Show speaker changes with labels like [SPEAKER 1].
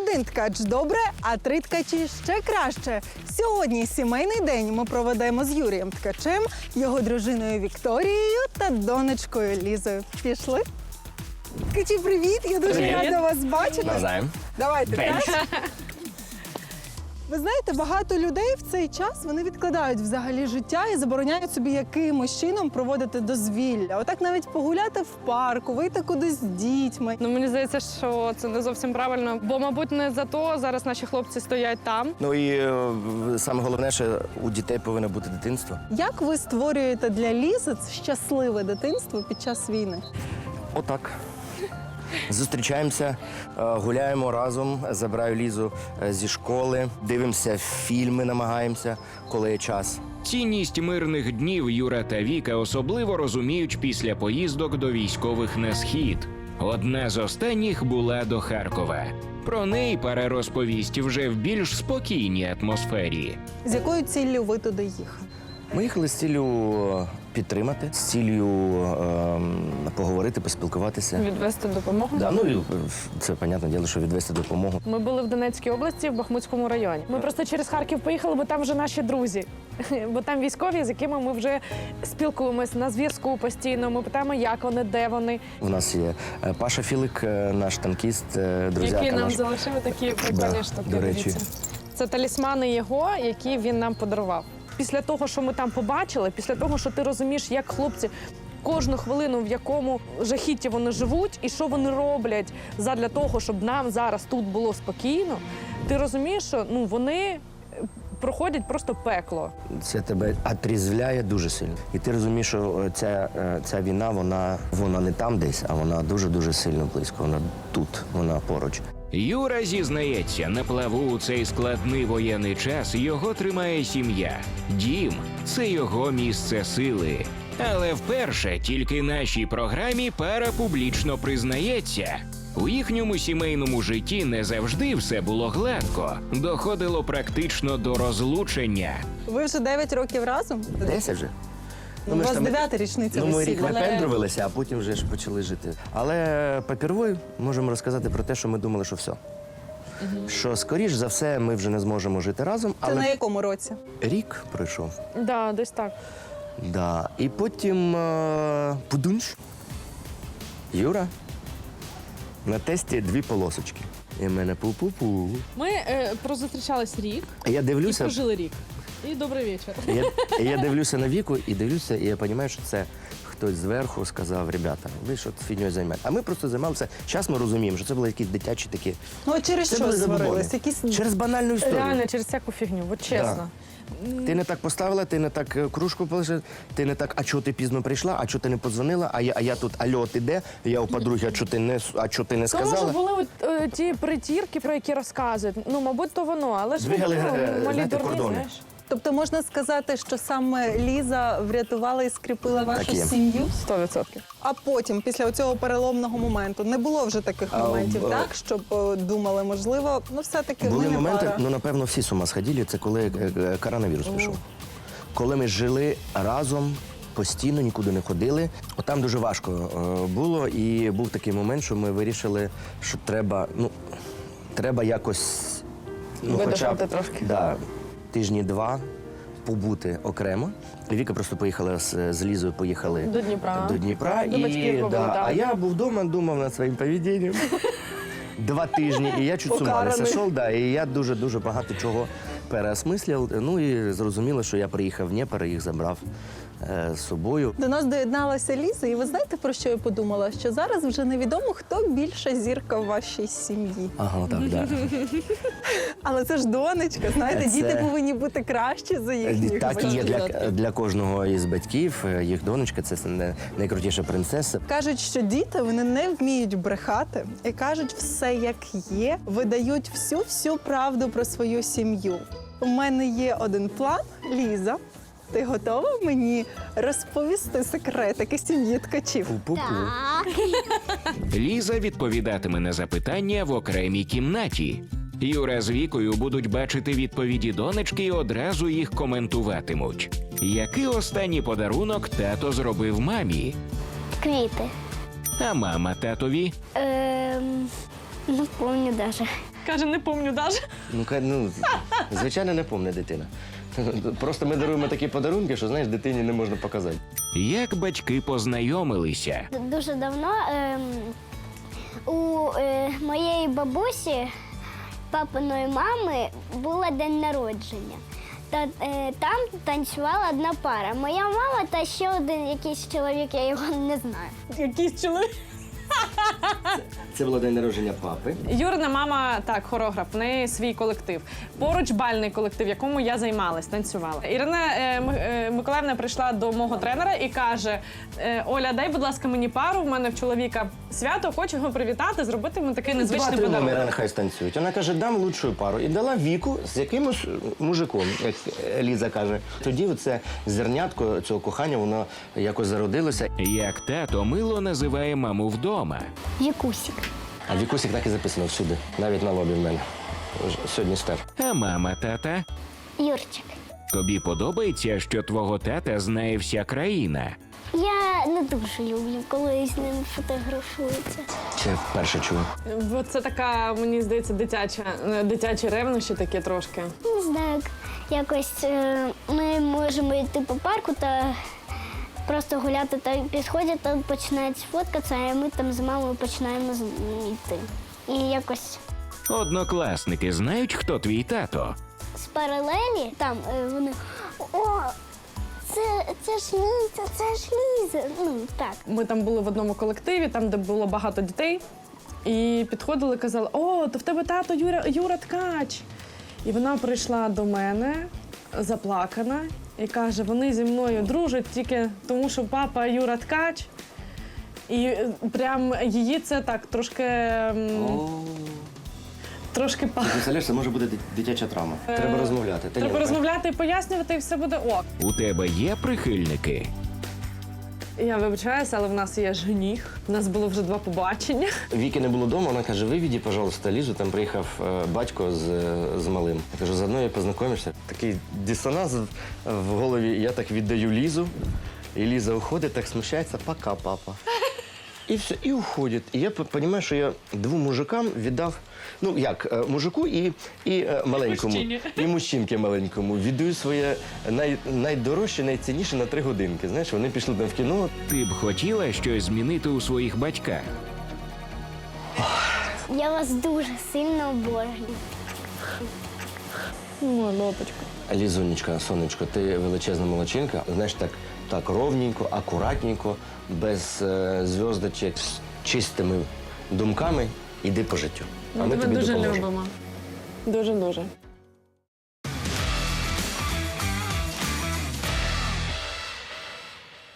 [SPEAKER 1] один ткач добре, а 3 ткачі ще краще. Сьогодні сімейний день ми проведемо з Юрієм Ткачем, його дружиною Вікторією та донечкою Лізою. Пішли? Ткачі, привіт! Я дуже рада вас бачити.
[SPEAKER 2] Навзаєм.
[SPEAKER 1] Давайте, так? Ви знаєте, багато людей в цей час вони відкладають взагалі життя і забороняють собі якимось чином проводити дозвілля. Отак навіть погуляти в парку, вийти кудись з дітьми.
[SPEAKER 3] Ну, мені здається, що це не зовсім правильно, бо, мабуть, не за то зараз наші хлопці стоять там.
[SPEAKER 2] Ну і саме головне, що у дітей повинно бути дитинство.
[SPEAKER 1] Як ви створюєте для Лізи щасливе дитинство під час війни?
[SPEAKER 2] Отак. Зустрічаємося, гуляємо разом, забираю Лізу зі школи, дивимося фільми, намагаємося, коли є час.
[SPEAKER 4] Цінність мирних днів Юра та Віка особливо розуміють після поїздок до військових на схід. Одна з останніх була до Харкова. Про неї пара розповість вже в більш спокійній атмосфері.
[SPEAKER 1] З якою ціллю ви туди їхали?
[SPEAKER 2] Ми їхали з ціллю підтримати, з ціллю поговорити, поспілкуватися.
[SPEAKER 3] Відвести допомогу.
[SPEAKER 2] Да, ну, і це, понятне діло, що відвести допомогу.
[SPEAKER 3] Ми були в Донецькій області, в Бахмутському районі. Ми просто через Харків поїхали, бо там вже наші друзі. Бо там військові, з якими ми вже спілкуємось на зв'язку постійно. Ми питаємо, як вони, де вони.
[SPEAKER 2] У нас є Паша Філик, наш танкіст, друзяка
[SPEAKER 3] Які нам
[SPEAKER 2] наш.
[SPEAKER 3] залишили такі прикольні
[SPEAKER 2] Да,
[SPEAKER 3] штуки.
[SPEAKER 2] до речі.
[SPEAKER 3] дивіться. Це талісмани його, які він нам подарував. Після того, що ми там побачили, після того, що ти розумієш, як хлопці кожну хвилину, в якому жахітті вони живуть і що вони роблять задля того, щоб нам зараз тут було спокійно, ти розумієш, що вони проходять просто пекло.
[SPEAKER 2] Це тебе отрізвляє дуже сильно. І ти розумієш, що ця війна, вона не там десь, а вона дуже-дуже сильно близько. Вона тут, вона поруч.
[SPEAKER 4] Юра зізнається, на плаву у цей складний воєнний час його тримає сім'я. Дім – це його місце сили. Але вперше тільки нашій програмі пара публічно признається. У їхньому сімейному житті не завжди все було гладко. Доходило практично до розлучення.
[SPEAKER 1] Ви вже 9 років разом?
[SPEAKER 2] 10 вже.
[SPEAKER 1] У вас 9-та річниця
[SPEAKER 2] Ну, ми рік
[SPEAKER 1] весілля.
[SPEAKER 2] випендрувалися, а потім вже ж почали жити. Але папіровою можемо розказати про те, що ми думали, що все. Що, скоріш за все, ми вже не зможемо жити разом,
[SPEAKER 1] Це
[SPEAKER 2] але
[SPEAKER 1] на якому році?
[SPEAKER 2] рік пройшов.
[SPEAKER 3] Да, десь так.
[SPEAKER 2] Да. І потім пудунш. Юра. На тесті 2 полосочки. І в мене пу-пу-пу.
[SPEAKER 3] Ми прозустрічались рік
[SPEAKER 2] Я дивлюся,
[SPEAKER 3] рік. І добрий вечір.
[SPEAKER 2] я дивлюся на Віку і дивлюся, і я розумію, що це хтось зверху сказав, ребята, ви що фігньою займаєте. А ми просто займалися. Зараз ми розуміємо, що це були якісь дитячі такі.
[SPEAKER 1] Ну, а через
[SPEAKER 2] Це
[SPEAKER 1] що
[SPEAKER 2] були забобони.
[SPEAKER 1] сварились? Якісь...
[SPEAKER 2] Через банальну історію.
[SPEAKER 3] Реально, через всяку фігню, от чесно.
[SPEAKER 2] Ти не так поставила, ти не так кружку полишила, ти не так, а чого ти пізно прийшла, а чого ти не подзвонила, а я тут, алло, ти де? Я у подруги, а чого ти не
[SPEAKER 3] Тому що
[SPEAKER 2] сказала?
[SPEAKER 3] були ті притірки, про які розказують. Ну, мабуть, то воно, але ж
[SPEAKER 2] Двигали,
[SPEAKER 3] малі
[SPEAKER 2] знаєте,
[SPEAKER 3] дурні,
[SPEAKER 2] кордони.
[SPEAKER 3] знаєш.
[SPEAKER 1] Тобто можна сказати, що саме Ліза врятувала і скріпила вашу
[SPEAKER 2] є.
[SPEAKER 1] сім'ю?
[SPEAKER 3] 100%.
[SPEAKER 1] А потім, після цього переломного моменту, не було вже таких моментів, так? Щоб думали, можливо, все-таки ми
[SPEAKER 2] Були
[SPEAKER 1] не
[SPEAKER 2] моменти,
[SPEAKER 1] пара.
[SPEAKER 2] ну, напевно, всі з ума сходили, це коли коронавірус пішов. Коли ми жили разом, постійно нікуди не ходили. Отам дуже важко було, і був такий момент, що ми вирішили, що треба якось
[SPEAKER 3] Видихнути трошки.
[SPEAKER 2] Да, тижні 2 побути окремо. Віка просто поїхала з Лізою, поїхали
[SPEAKER 3] До Дніпра.
[SPEAKER 2] До Дніпра.
[SPEAKER 3] До батьків побули, так.
[SPEAKER 2] А я був вдома, думав над своїм поведінням. 2 тижні, і я чуть з ума не
[SPEAKER 1] Покараний.
[SPEAKER 2] сошов, да, і я дуже багато чого переосмислив. Ну і зрозуміло, що я приїхав в Дніпро, їх забрав з собою.
[SPEAKER 1] До нас доєдналася Ліза, і ви знаєте, про що я подумала? Що зараз вже невідомо, хто більша зірка в вашій сім'ї.
[SPEAKER 2] Ага, так, да.
[SPEAKER 1] Але це ж донечка, знаєте,
[SPEAKER 2] Це-
[SPEAKER 1] діти повинні бути кращі за їхніх
[SPEAKER 2] Так і є
[SPEAKER 1] батьків.
[SPEAKER 2] для кожного із батьків. Їх донечка це найкрутіша принцеса.
[SPEAKER 1] Кажуть, що діти вони не вміють брехати і кажуть все як є, видають всю правду про свою сім'ю. У мене є один план, Ліза. Ти готова мені розповісти секретики сім'ї Ткачів?
[SPEAKER 2] Пу-пу-пу.
[SPEAKER 4] Ліза відповідатиме на запитання в окремій кімнаті. Юра з Вікою будуть бачити відповіді донечки і одразу їх коментуватимуть. Який останній подарунок тато зробив мамі?
[SPEAKER 5] Квіти.
[SPEAKER 4] А мама татові?
[SPEAKER 5] Не помню даже.
[SPEAKER 3] Каже, не помню навіть.
[SPEAKER 2] Звичайно, не помне дитина. Просто ми даруємо такі подарунки, що, знаєш, дитині не можна показати.
[SPEAKER 4] Як батьки познайомилися?
[SPEAKER 5] Дуже давно у моєї бабусі, папиної мами, було день народження. Там танцювала одна пара. Моя мама та ще один якийсь чоловік, я його не знаю.
[SPEAKER 3] Якийсь чоловік.
[SPEAKER 2] Це було день народження папи.
[SPEAKER 3] Юрина мама, так, хореограф, в неї свій колектив. Поруч бальний колектив, в якому я займалась, танцювала. Ірина Миколаївна прийшла до мого тренера і каже: Оля, дай, будь ласка, мені пару, в мене в чоловіка свято, хочу його привітати, зробити йому такий незвичний
[SPEAKER 2] 2-3
[SPEAKER 3] подарунок.
[SPEAKER 2] номери нехай станцюють. Вона каже, дам лучшу пару. І дала Віку з якимось мужиком, як Ліза каже. Тоді оце зернятко цього кохання, воно якось зародилося.
[SPEAKER 4] Як тато мило називає маму вдома.
[SPEAKER 5] Вікусік.
[SPEAKER 2] А Вікусик так і записано всюди, навіть на лобі в мене. Сьогодні стер.
[SPEAKER 4] А мама тата?
[SPEAKER 5] Юрчик.
[SPEAKER 4] Тобі подобається, що твого тата знає вся країна?
[SPEAKER 5] Я не дуже люблю, коли з ним фотографуються.
[SPEAKER 2] Це вперше чую.
[SPEAKER 3] Бо це така, мені здається, дитячі ревнощі такі трошки.
[SPEAKER 5] Не знаю, якось ми можемо йти по парку та просто гуляти, та підходять, та починають фоткатися, а ми там з мамою починаємо йти. І якось
[SPEAKER 4] Однокласники знають, хто твій тато?
[SPEAKER 5] з паралелі там вони о, це ж Ліза, це ж Ліза. Ну так.
[SPEAKER 3] Ми там були в одному колективі, там, де було багато дітей, і підходили, казали: о, то в тебе тато Юра Ткач. І вона прийшла до мене, заплакана, і каже: вони зі мною дружать тільки тому, що папа Юра Ткач. І прям її це так трошки
[SPEAKER 2] Представляєш, це може бути дитяча травма. Треба розмовляти.
[SPEAKER 3] Треба розмовляти і пояснювати, і все буде ок.
[SPEAKER 4] У тебе є прихильники?
[SPEAKER 3] Я вибачаюся, але в нас є жених. У нас було вже 2 побачення.
[SPEAKER 2] Віки не було вдома, вона каже, вивіді, пожалуйста, Лізу, там приїхав батько з малим. Я кажу, заодно і познайомишся. Такий дисонанс в голові, я так віддаю Лізу, і Ліза уходить, так смущається, пока, папа. І все, і уходить. І я розумію, що я 2 мужикам віддав, ну як, мужику і маленькому, і мужчинки маленькому. Віддаю своє найдорожче, найцінніше на 3 годинки. Знаєш, вони пішли там в кіно.
[SPEAKER 4] Ти б хотіла щось змінити у своїх батьках?
[SPEAKER 5] Я вас дуже сильно обожнюю.
[SPEAKER 3] Ой, лопочка.
[SPEAKER 2] Лізунечка, сонечко, ти величезна молодчинка. Знаєш, так ровненько, акуратненько, без зв'язочок, з чистими думками, іди по життю.
[SPEAKER 3] Ми тебе дуже
[SPEAKER 2] допоможемо.
[SPEAKER 3] любимо. Дуже-дуже.